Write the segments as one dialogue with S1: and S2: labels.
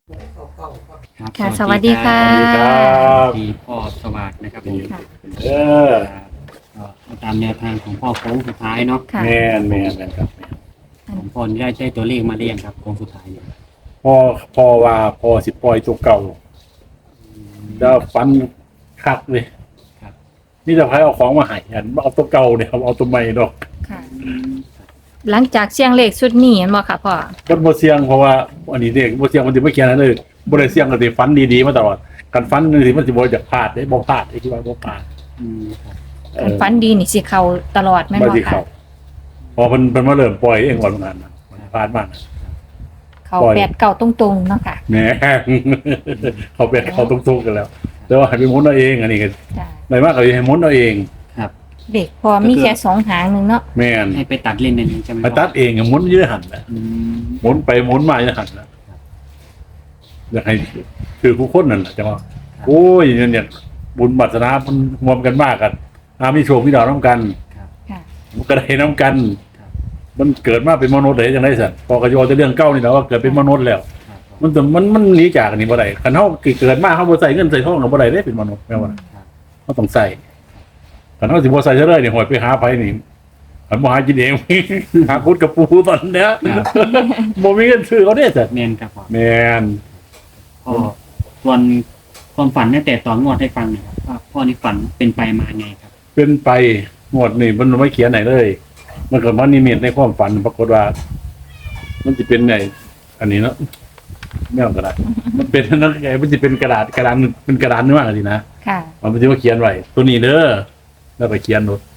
S1: ค่ะสวัสดีค่ะ
S2: สวัสดีครับ
S3: ที่พ่อสวัสดิ์นะครับผม
S1: ค่ะ
S2: เออ
S3: ก็ตามแนวทางของพ่อโค้งสุดท้ายเนาะ
S1: ค่ะ
S2: แม่นครับ
S3: ของพ่อนี่ได้ตัวเลขมาเรียงครับโค้งสุดท้ายเนี่ย
S2: พ่อว่าพ่อสิปล่อยตัวเก่าแล้วฟันคักเลย
S3: ครับ
S2: นี่จะให้เอาของมาให้อันเอาตัวเก่าเนี่ยเอาตัวใหม่ดอก
S1: ค่ะ หลังจากเสียงเลขชุดนี้เห็นบ่ค่ะพ่อ
S2: มันบ่เสี่ยงเพราะว่าอันนี้เด็กบ่เสี่ยงมันสิบ่เขียนอันเลยบ่ได้เสี่ยงก็สิฟันดีๆมาตลอดกันฟันนึงสิมันสิบ่อยากพลาดได้บ่พลาดไอ้ที่ว่าบ่พลาด
S3: ครับ
S1: การฝันดีนี่สิเข้าตลอดแม่น
S2: บ่
S1: บ่
S2: สิ
S1: ค่ะ
S2: เข้าพอเพิ่นมาเริ่มปล่อยเองก่อนนั้นนะมันพลาดมาก
S1: เข้า
S2: ปล่อย
S1: แปดเก่าตรงๆเนาะค่ะ
S2: แหม เขาเป็นเขาตุ้งๆกันแล้วแต่ว่าให้ไปหมุนเอาเองอันนี้ก็
S1: จ้ะ
S2: ไม่มากก็ให้หมุนเอาเอง
S3: ครับ
S1: เด็กพอมีแค่2หางนึงเนาะ
S2: แม่น
S3: ให้ไปตัดเล่นในนี้ใช่ไหม
S2: ไปตัดเองอะหมุนอยืดหันนะ
S3: อืม
S2: หมุนไปหมุนมาอยืดหันนะอยากให้คือผู้คนนั่นแหละจังว่าโอ้ยเนี่ยบุญบัตรนามันรวมกันมากกันมีโชคมีดาวน้ำกัน
S3: ครับ
S1: ค่ะ
S2: มันก็ได้น้ำกัน
S3: ครับ
S2: มันเกิดมาเป็นมนุษย์ได้จังไดสัตว์พอกระโยจะเรื่องเก้านี่แหละว่าเกิดเป็นมนุษย์แล้ว
S3: ครับ
S2: มันหนีจากอันนี้บ่ได้คันเฮาเกิดมาเฮาบ่ใส่เงินใส่ทองก็บ่ได้เด้เป็นมนุษย์แม่ว่า
S3: ครับ
S2: เฮาต้องใส่คันเฮาสิบ่ใส่ซะเลยนี่หอยไปหาไผนี่คันบ่หากินเอง หาคุดกับปูตอนเนี้ย
S3: ครับ
S2: บ่มีเงินซื้อเขาเด้สัตว์
S3: แมนครับพ่อ
S2: แม่น
S3: พ่อส่วนความฝันตั้งแต่ตอนงวดให้ฟังหน่อยครับว่าพ่อนี่ฝันเป็นไปมาไงครับ
S2: เป็นไปงวดนี่มันไม่เขียนไหนเลย มันก็มันนิมิตในความฝันปรากฏว่า มันจะเป็นไงอันนี้เนาะไม่เอากระดาษมันเป็นนั่นไงมันจะเป็นกระดาษเป็นกระดานเนื้ออะไรนะ
S1: ค่ะ
S2: มันจะว่าเขียนไว้ตัวนี้เด้อแล้วไปเขียนรถ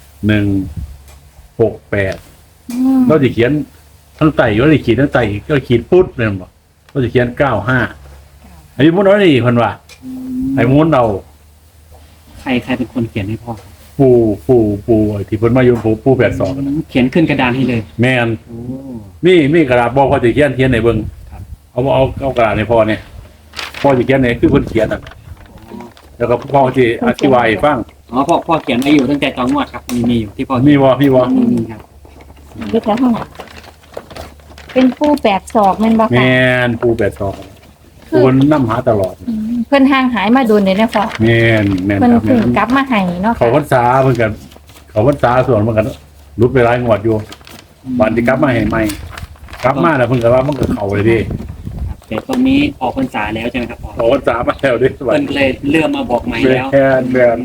S2: 168
S1: อืม
S2: เราจะเขียนทั้งไต่ว่าจะขีดทั้งไต่ก็ขีดพุทธเลยบอกเราจะเขียน95ไอ้มุนน้อยนี่คนว่าไอ้มุนเรา
S3: ใครเป็นคนเขียนให้พ่อครับ
S2: ปูไอ้ที่เพิ่นมาโยนปู82กันน่ะ
S3: เขียนขึ้นกระดานให้เลย
S2: แม่น
S3: โอ้
S2: มีกระดาษบอกว่าจะเขียนในเบิ่ง
S3: ครับ
S2: เอากระดาษในพ่อเนี่ยพ่อจะเขียนไหนคือเพิ่นเขียนน่ะ
S3: อ๋อ
S2: แล้วก็พ่อที่อธิบายให้ฟัง
S3: อ๋อพ่อเขียนไว้อยู่ตั้งแต่ตอนงวดครับมีอยู่ที่พ่อ
S2: มีบ่
S3: มีครับ
S1: เด็กแล้วเท่าไหร่เป็นผู้8ศอกแม่นบ่ค่ะ
S2: แม่นปู82ปูเพิ่นนำหาตลอด
S1: อืมเพิ่นห่างหายมาโดนเลยนะพ่อ
S2: แม่นค
S1: เพิ่น
S2: รับ
S1: เพิ่งกลับมาให้เนาะ
S2: เขา
S1: ค่ะ
S2: พรรษาเพิ่นกันเขาพรรษาส่วนเพิ่นกันรุดไปหลายงวดอยู่บัดที่กลับมาให้ใหม่กลับมาแล้วเพิ่นก็ว่ามันก็เข้าเลยดิ
S3: ครับแต่ตรงนี้ออกพรรษาแล้วใช่ไหมครับพ่อ
S2: เขาพรรษามาแล้วดิสวัส
S3: เพิ่น
S2: ดี
S3: ก็เลยเลื่อนมาบอกใหม่แล้ว
S2: แม่น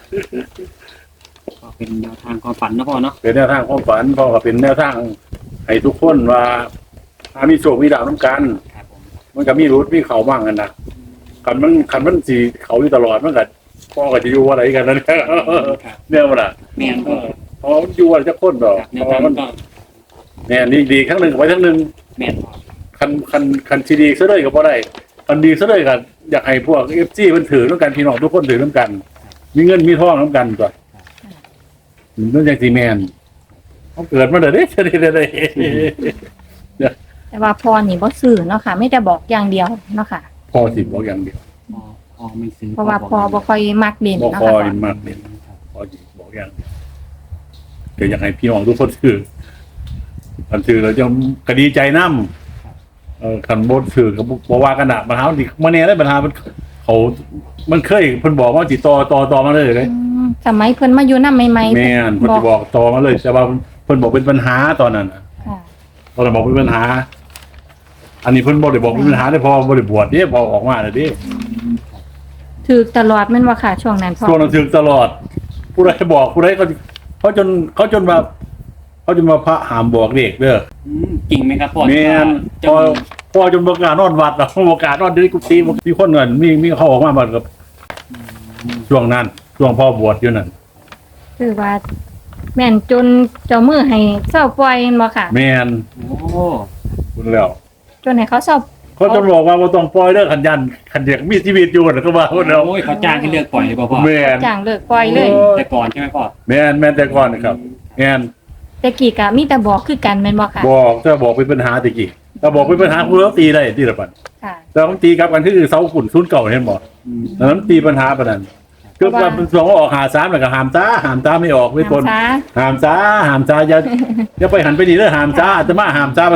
S3: ก็เป็นแนวทางความฝันนะพ่อเนาะ
S2: เป็นแนวทางความฝันพ่อก็เป็นแนวทางให้ทุกคนว่าถ้ามีโชคมีดาวน้ำกัน
S3: ครับผม
S2: มันก็มีรุดมีเขาบ้างกันนะคันมันสีเขาอยู่ตลอดมันก็พ่อก็จะอยู่อะไรกันนั่น
S3: ครับ
S2: เนี่ยมันอ่ะ
S3: แม่นก็
S2: พอมันอยู่อะไรจะคนดอก
S3: ครับแน
S2: เพ
S3: ว
S2: ราะ
S3: ทาง
S2: มัน
S3: ก็
S2: เนี่ยดีครั้งหนึ่งไว้ครั้งหนึ่ง
S3: แม่นพ่อ
S2: คันซีดีซะเลยก็บ่ได้คันดีซะเลยก็อยากให้พวกFCมันถือน้ำกันพี่น้องทุกคนถือน้ำกัน มีเงินมีทองน้ำกันก่อนนั่นอย่างซีแมนเขาเกิดมาเด้อเด้ได้
S1: แต่ว่าพ่อนี่บ่ซื้อเนาะค่ะไม่ได้บอกอย่างเดียวเนาะค่ะ
S2: พอสิบอกอย่างเดียว
S3: พ่อไม่ซื้อ
S1: เพราะว่าพ่อบ่ค่อยมักเล่น
S2: บอก
S1: เนาะ
S2: คอ
S1: ค่ะ
S2: ยมากเลยพอสิบอกอย่างเดียวเดี๋ยวอยากให้พี่น้องทุกคนถือคันถือเราจะคดีใจน้ำคันบดถือกับบอกว่ากันอะปัญหาดิมาเนี่ยได้ปัญหามันเคยเพิ่นบอกว่าจิต่อมาเลยเลย
S1: อืมสมัยเพิ่นมาอยู่นำใหม่ๆ
S2: แม่นเพิ่นจะบอกต่อมาเลยแต่ว่าเพิ่นบอกเป็นปัญหาตอนนั้นน่ะ
S1: ค่ะ
S2: ตอนนั้นบอกเป็นปัญหา อันนี้เพิ่นบ่ได้บอกเป็นปัญหาได้พอบ่ได้บวชเด้พอออกมาแล้วเด้
S1: ถือตลอดแม่นบ่ค่ะช่วงนั้นพ่อ
S2: ช่วงนั้นถึงตลอด ผู้ใดบอกผู้ใดก็เขาจนมาพระหามบอกเด็กเด้อ
S3: จริงไหมครับพ่อ
S2: แม่น
S3: จะ
S2: พอจนประกล้านอนวัดแล้วประกล้านอนที่กุฏิมีคนเงินมีเขาออกมาบัดกับช่วงนั้นช่วงพ่อบวชอยู่นั่น
S1: คือว่า แม่นจนเจ้ามือให้เศร้าปล่อยแม่นบ่ค่ะ
S2: แม่น
S3: โอ้
S2: คุณแล้ว
S1: จนให้เขาเศร้า
S2: เขาจนบอกว่าบ่ต้องปล่อยเด้อขันยันขันเด็กมีชีวิตอยู่น่ะก็ว่าคนแล้ว
S3: โอ้ยเขาจ้างให้เลือกปล่อยเลยพ่อ
S2: แม่น
S1: จ้างเลิกปล่อยเลย
S3: แต่ก่อนใช่ไหมพ่อ
S2: แม่นแต่ก่อนนะครับแม่น
S1: แต่กี้ก็มีแต่บอกคือกันแม่นบ่ค่ะ
S2: บอกถ้าบอกเป็นปัญหาตะกี้ถ้าบอกเป็นปัญหาคุณแล้วตีได้ตีละปัน
S1: ค่ะ
S2: แต่ต้องตีกลับกันคือเสาขุนศูนย์เก่าเห็นบ่ดังนั้นตีปัญหาปานนั้นคือว่าเป็นสองออกหา3แล้วก็หามตาไม่ออกไม่ทน
S1: น้ำซา
S2: หามจ้าอย่าไปหันไปนี่เด้อหามจ้าอาตมาหามจ้า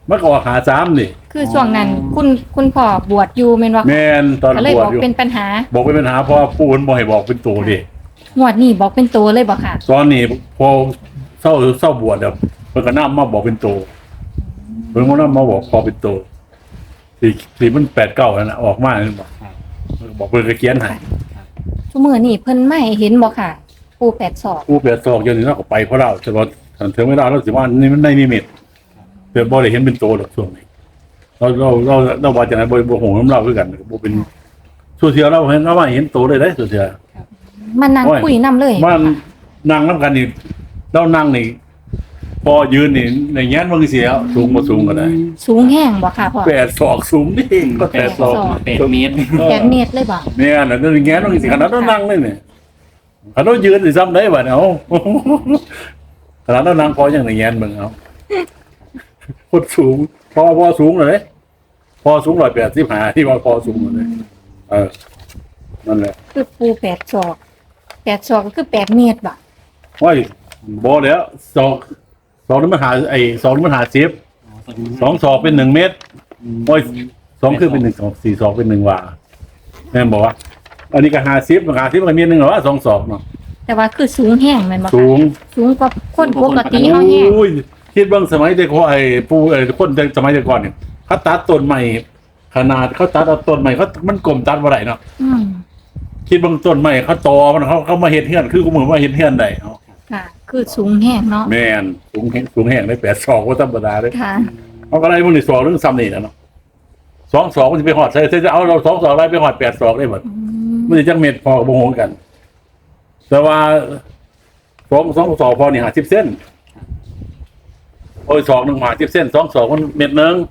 S2: มันก็ออกหา3นี่
S1: คือช่วงนั้นคุณพ่อบวชอยู่แม่นว่า
S2: แม่นตอน
S1: ก็เลย
S2: บว
S1: บ
S2: ช
S1: อก
S2: อยู่
S1: เป็นปัญหา
S2: บอกเป็นปัญหาเพราะว่าปู่มันบ่ให้บอกเป็นตัวดิ
S1: งวดนี้บอกเป็นตัวเลยบ่ค่ะ
S2: ตอนนี้พอเศร้าบวชแล้วเพิ่นก็นำมาบอกเป็นตัวเพิ่นก็นำมาบอกพอเป็นตัวที่มัน89นั่นน่ะออกมานั่นบอก
S3: ครับ
S2: บอกเพิ่นก็เขียนให้
S1: ชั่วมื้อนี้เพิ่นไม่เห็นบ่ค่ะ ปู8ศอก
S2: ปู่82อยู่นี่เราก็ไปเพราะเราแต่ว่าถ้าถึงไม่ได้เราสิว่านี่มันในนิมิตเพิ่นบ่ได้เห็นเป็นตัวหรอกช่วงนี้เราว่าจังได๋บ่ฮู้นำเราคือกันบ่เป็นสุเทียเราเห็นว่าเห็นตัวเลยเด้สุเทีย
S1: มานั่งคุยนํเลย
S2: มันนั่งน้ำกันนี่เรานั่งนี่พอยืนนี่ในแง้นมันก็เสียสูงมาสูงก็ได้
S1: สูงแห้งบ่ค่ะพ่อ
S2: 8 ศอกสูงนี่ก็8 ศอก
S3: 8 เมตร
S1: 8 เมตรเลยบ่
S2: เนี่ยน่ะในแง้นมันก็สิขนาดเรานั่งนี่นี่ขนาดเรายืนสิซ้ำได้บ่เนี่ยเอาขนาดเรานั่งพออย่างในแง้นมึงเอาโคตรสูงพอสูงเลยพอสูง185ที่ว่าพอสูงเลยนั่นแหละ
S1: คือปู8ศอก8ศอกก็คือ8 เมตรบ่
S2: ว่าบ่แล้วศอกนี่มันหาศอกนี่มันหา10 2 ศอกเป็น1 เมตร โอ้ย2คือเป็น1 2 4 2เป็น1ว่าแม่นบอกว่าอันนี้ก็50มัน50มันมี1หรอว่า2 ศอกเนาะ
S1: แต่ว่าคือสูงแห้งแม่นบ่
S2: สู
S1: ค่ะ
S2: ง
S1: สูงกว่าคนปกติเฮาแห้ง
S2: โอ้ยคิดเบิ่งสมัยแต่ก่อนปู่คนสมัยแต่ก่อนเนี่ยเขาตัดต้นใหม่ขนาดเขาตัดเอาต้นใหม่มันกลมตัดบ่ได้เนาะ
S1: อืม
S2: คิดเบิ่งต้นใหม่เขาตอมันเขามาเฮ็ดเฮือนคือกูเหมือนว่าเฮ็ดเฮือนได้เนาะ
S1: ค่ะ คือสูงแห้งเนาะ
S2: แม่นสูงแห้งได้8 ศอกบ่ธรรมดาเด้
S1: ค่ะ
S2: เอาก็ได้มึงนี่ศอกนึงซ้ำนี่แหละเนาะ2 ศอกมันสิไปฮอดใส่จะเอาเรา2 ศอกได้ไปฮอด8 ศอกได้หมด
S1: อืม
S2: มันจะจังเม็ดพอกับโมโหกัน แต่ว่าสองศอกพอนี่50 เส้นโอ้ยศอกหนึ่ง50 เส้น2 ศอกมันเม็ดหนึง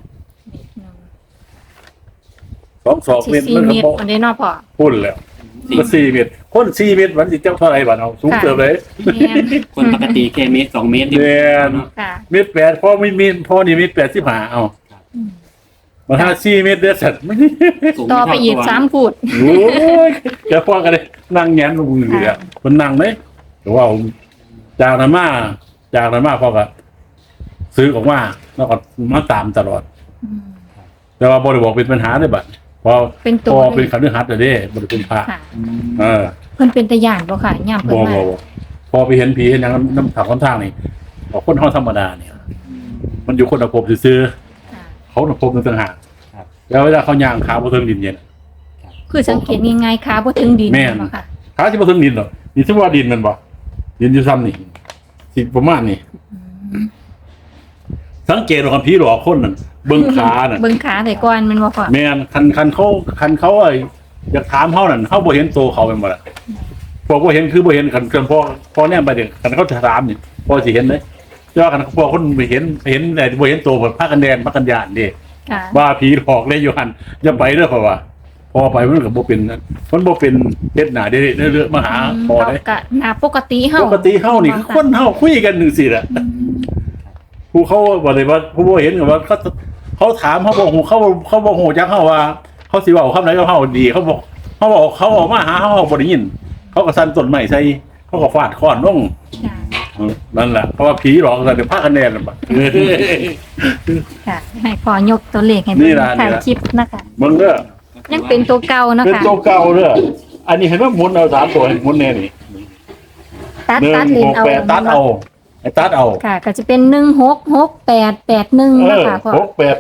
S2: 2 ศอก
S1: สิ
S2: เม็ด
S1: 4
S2: มัน
S1: เม
S2: ก็
S1: ตรอันนี้เนาะพ่อ
S2: พุ่นแล้วก็4 เม็ดคน4 เม็ดมันสิเจ้าเท่าไหร่บัดเอาสูง
S1: ค่ะ
S2: เติบเลย
S1: แม่น
S3: คนปกติแค่เมตร 2 เมตร
S2: แม่น
S1: ค่ะ
S2: เม็ด8พอมีพอนี่เม็ด85เอา
S1: อืม
S2: มาถ้า4 เม็ดเด้อสัตว์
S3: สูง
S1: ต่อไปอีก
S3: เท่าตัว
S1: 3 ฟุต
S2: โอ้ยแกพ่อกันเลยนั่งแง้มลงมือเลยอ่ะมันนั่งเลยแต่ว่าผมจากนั้นมาพ่อก็ซื้อออกมาแล้วก็มาตามตลอด
S1: อืม
S2: แต่ว่าบริบอกเป็นปัญหาเลยบัดพอ
S1: เป็นตั
S2: พ
S1: ว
S2: อเป็นขันธ์หัดเลยเด้บริเป็นพระ
S1: ค่ะ
S2: เออ
S1: เพิ่นเป็นตาย่านบ่ค่ะย่าม
S2: บ
S1: เพิ่น
S2: อก
S1: มา
S2: บอกพอไปเห็นผีเห็นอย่างน้ำถักค่อนข้างนี่บอกคนห้องธรรมดาเนี่ย มันอยู่คนละภพซื้อ
S1: ค่ะ
S2: ๆเขาละภพนึงต่างหากแล้วเวลาเขาย่างขาบนเทิงดินเย็น
S1: คือสังเกตง่ายๆขาบ่ถึงดิน
S2: แม่น
S1: บ่ค่ะ
S2: ขาที่บนเทิงดินหรอนี่ที่ว่าดินมันบ่ดินอยู่ซ้ำนี่สิประมาณนี่
S1: อืม
S2: สังเกตว่าผีหลอกคนนั่นเบิ่งขานั่น
S1: เบิ่งขาแต่ก่อนแมันบ่พ่อ
S2: แม่นคันเขาอยากถามเขานั่นเขาบ่เห็นตัวเขาเป็นบ่ล่ะพอบ่เห็นคือบ่เห็นคันพอแนมไปเด็กคันเขาถามนี่พอสิเห็นเลยแต่ว่าคันพอคนไม่เห็นแต่บ่เห็นตัวเพิ่นพากันแดนพากันย่านเด้
S1: ค่ะ
S2: ว่าผีหลอกเลยอยู่หั่นอย่าไปเด้อเพราะว่าพอไปมันก็บ่เป็นมันบ่เป็นเฮ็ดหน้าเด้เรื่อยๆมาหาพอ
S1: เรา
S2: เด้
S1: ก็หน้าปกติเฮา
S2: ปกติเฮานี่คือคนเฮาคุยกันจังซี่แหละ
S1: อืม
S2: ผู้เขาบอกเลยว่าผู้บ่เห็นกับว่าเขาถามเขาบอกเขาบอกโหจักเขาว่า เขาสิเว้าคำไหนก็เขาดีเขาบอกเขาออกมาหาเขาบ่ได้ยิน เขาก็สั่นต้นไม้ใส่เขาก็ฟาดค้อนลง
S1: ค่ะ
S2: นั่นแหละเพราะว่าผีหลอกกันเดี๋ยวพาคะแนนน่ะบัด
S1: ค่ะให้พ่อยกตัวเลขให้
S2: นี่
S1: เบิ่ง
S2: ล่ะ
S1: ถ่าย
S2: นี่ล่ะ
S1: คลิปนะคะ
S2: มึงเด้อ
S1: ยังเป็นตัวเก่านะ
S2: เป็น
S1: คะ
S2: ตัวเก่าเด้ออันนี้เห็นว่าหมุนเอา3ตัวให้หมุนแน่นี่
S1: ตัดเลนเอา
S2: 168ตัดเอาไอ้ตัดเอา
S1: ค่ะ ก็จะเป็น166881นะคะพ่อ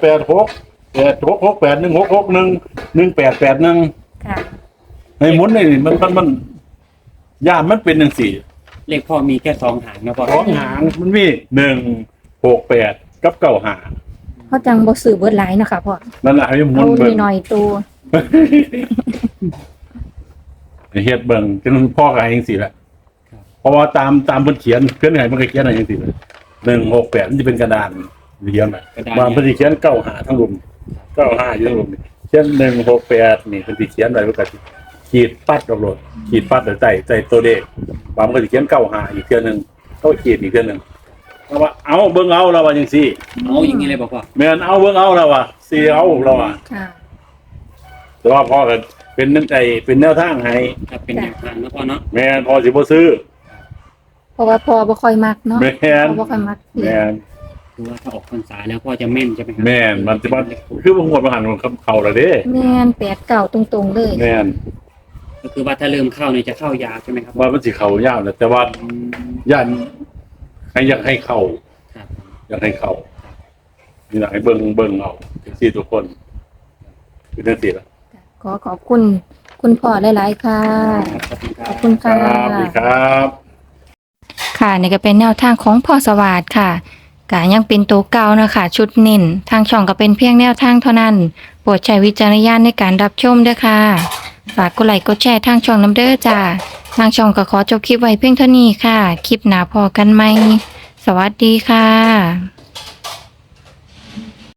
S2: 688168116811881
S1: ค่ะ
S2: ให้หมุนนี่มันย่ามมันเป็นจังซี่
S3: เลขพ่อมีแค่2 หางนะพ่อ
S2: สองหางมันมี168กับ95
S1: เขาจังบ่ซื้อเบิดหลายเนาะค่ะพ่อ
S2: นั่นแหละให้หมุ
S1: เอา
S2: นเบิ่ง
S1: หน่อยๆตัว
S2: เฮ็ดเบิ่งจนพ่อก็ให้จังซี่แหละเพราะว่าตามเพิ่นเขียนเพิ่นให้มันก็เขียนให้จังซี่เลย168มันจะเป็นกระดานเขียนน่ะว่าเพิ่นสิเขียน95ทั้งรุม95อยู่ทั้งรุมนี่เขียน168นี่เพิ่นสิเขียนไว้มันก็สิขีดปัดออกโลดขีดปัดแล้วใส่ตัวเลขบางมันก็สิเขียน95อีกเทื่อนึงเขาขีดอีกเทื่อนึงเอาว่าเอาเบิ่งเอาเราว่าจังซี่
S3: เอาอย่างนี้เลยบอกพ่อ
S2: แม่นเอาเบิ่งเอาเราว่าสิเอาเราว่า
S1: ค่ะ
S2: แต่ว่าพ่อก็เป็นน้ำใจเป็นแนวทางให้
S3: ครับเป็นแนวทางนะพ่อเนาะ
S2: แม่นพ่อสิบ่ซื้อ
S1: เพราะว่าพ่อบ่ค่อยมักเนาะ
S2: แม่น
S1: พ่อบ่ค่อยมัก
S2: แม่น
S3: คือว่าถ้าออกพรรษาแล้วพ่อจะแม่นใช่ไหมครั
S2: แม่นมันจะว่าคือบางงวดบางหันมันเข้าแล้วเด้
S1: แม่น8 9ตรงๆเลย
S2: แม่น
S3: ก็คือว่าถ้าเริ่มเข้าเนี่ยจะเข้ายาวใช่ไหมครับ
S2: ว่ามันสิเข้ายาวนะแต่ว่า
S3: อืม
S2: ย่านให้อยากให้เข้า
S3: ครับ
S2: อยากให้เข้านี่นะให้เบิ่งเอาสิทุกคนคือจังซี่ล่ะ
S1: ขอขอบคุณคุณพ่อหลายๆค่ะ
S3: ขอบคุณค
S1: ข
S3: รั
S1: อบบ คุณค่ะ
S2: ครับสวัสดีครับ
S1: ค่ะนี่ก็เป็นแนวทางของพ่อสวัสดิ์ค่ะก็ยังเป็นตัวเก่านะคะชุดเน้นทางช่องก็เป็นเพียงแนวทางเท่านั้นโปรดใช้วิจารณญาณในการรับชมด้วยค่ะฝากกดไลค์กดแชร์ทางช่องน้ำเด้อจ้าทางช่องก็ขอจบคลิปไว้เพียงเท่านี้ค่ะ คลิปหน้าพอกันไหมสวัสดีค่ะ